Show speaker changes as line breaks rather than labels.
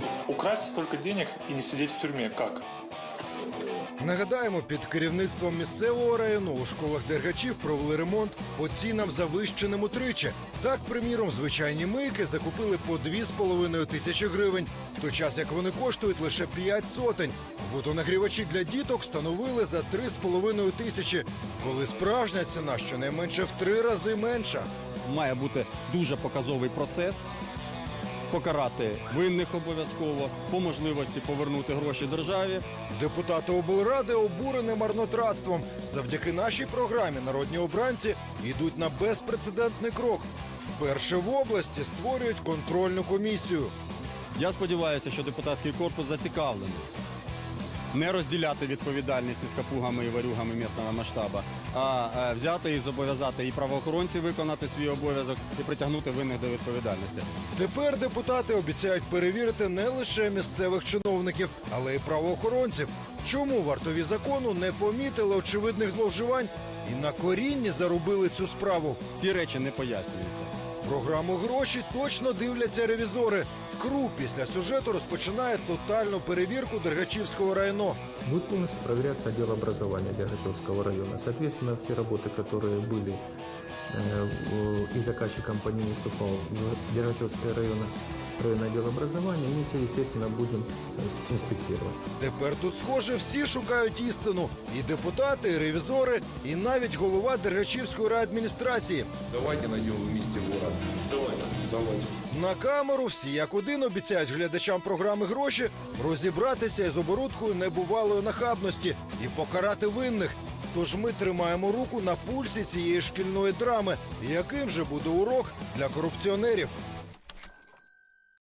Украсть столько денег и не сидеть в тюрьме как?
Нагадаємо, під керівництвом місцевого району у школах Дергачів провели ремонт по цінам завищеним утричі. Так, приміром, звичайні мийки закупили по 2,5 тисячі гривень, в той час як вони коштують лише 5 сотень. Водонагрівачі для діток встановили за 3,5 тисячі, коли справжня ціна щонайменше в 3 рази менша.
Має бути дуже показовий процес. Покарати винних обов'язково, по можливості повернути гроші державі.
Депутати облради обурені марнотратством. Завдяки нашій програмі народні обранці йдуть на безпрецедентний крок. Вперше в області створюють контрольну комісію.
Я сподіваюся, що депутатський корпус зацікавлений не розділяти відповідальність із капугами і варюгами місцевого масштабу, а взяти і зобов'язати і правоохоронців виконати свій обов'язок і притягнути винних до відповідальності.
Тепер депутати обіцяють перевірити не лише місцевих чиновників, але й правоохоронців. Чому вартові закону не помітили очевидних зловживань і на корінні зарубили цю справу?
Ці речі не пояснюються.
Програму «Гроші» точно дивляться ревізори. КРУ після сюжету розпочинає тотальну перевірку Дергачівського району.
Будет полностью проверяться отдел образования Дергачевского района. Соответственно, все работы, которые были и заказчиком по ним выступал Дергачевское районное отдел образования, мы все, естественно, будем инспектировать.
Тепер тут, схоже, всі шукають істину. І депутати, і ревізори, і навіть голова Дергачівської райадміністрації.
Давайте найдем вместе город. Давайте.
На камеру всі як один обіцяють глядачам програми «Гроші» розібратися із оборудкою небувалої нахабності і покарати винних. Тож ми тримаємо руку на пульсі цієї шкільної драми. Яким же буде урок для корупціонерів?